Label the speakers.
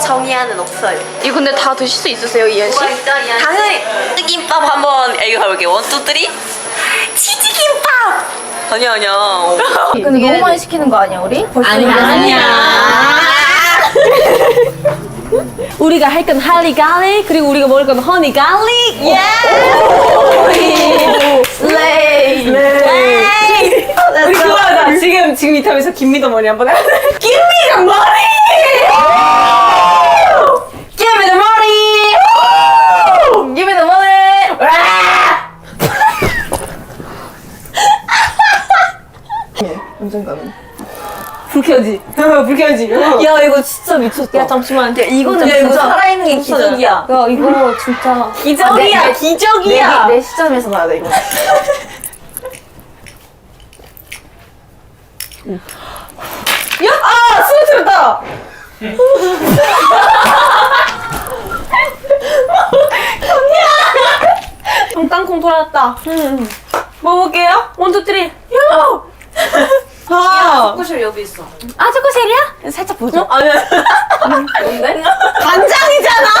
Speaker 1: 정의하는 없어요.
Speaker 2: 이거 근데 다 드실 수 있으세요, 이현 씨?
Speaker 1: 당연히 치즈김밥 한번 애교 가볼게요. 1, 2, 3 치즈김밥. 아니야.
Speaker 2: 근데 너무 많이 시키는 거 아니야, 우리?
Speaker 1: 아니야.
Speaker 3: 우리가 할 건 할리 갈릭 그리고 우리가 먹을 건 허니 갈릭. 예!
Speaker 2: 슬레이.
Speaker 3: 우리 그거 하자. 지금 이 탑에서 김미도 머리 한번 해. 김미도 머리! Give me the money!
Speaker 2: Give me the money. 언젠가는.
Speaker 3: 불 켜지. 불 켜지. 야 이거 진짜 미쳤다. 야 잠시만. 야
Speaker 2: 이거는
Speaker 3: 이거
Speaker 2: 진짜
Speaker 3: 살아있는 게 기적이야.
Speaker 2: 야 이거 진짜
Speaker 3: 기적이야. 기적이야.
Speaker 2: 내 시점에서 봐야 돼 이거.
Speaker 3: 야! 아! 쓰러뜨렸다! 언니야! 땅콩 돌아왔다. 먹어볼게요. 1, 2, 3. 야! 아!
Speaker 1: 초코실 여기 있어.
Speaker 3: 아, 초코셀이야? 살짝 보죠. 아니야. 뭔데? 간장이잖아!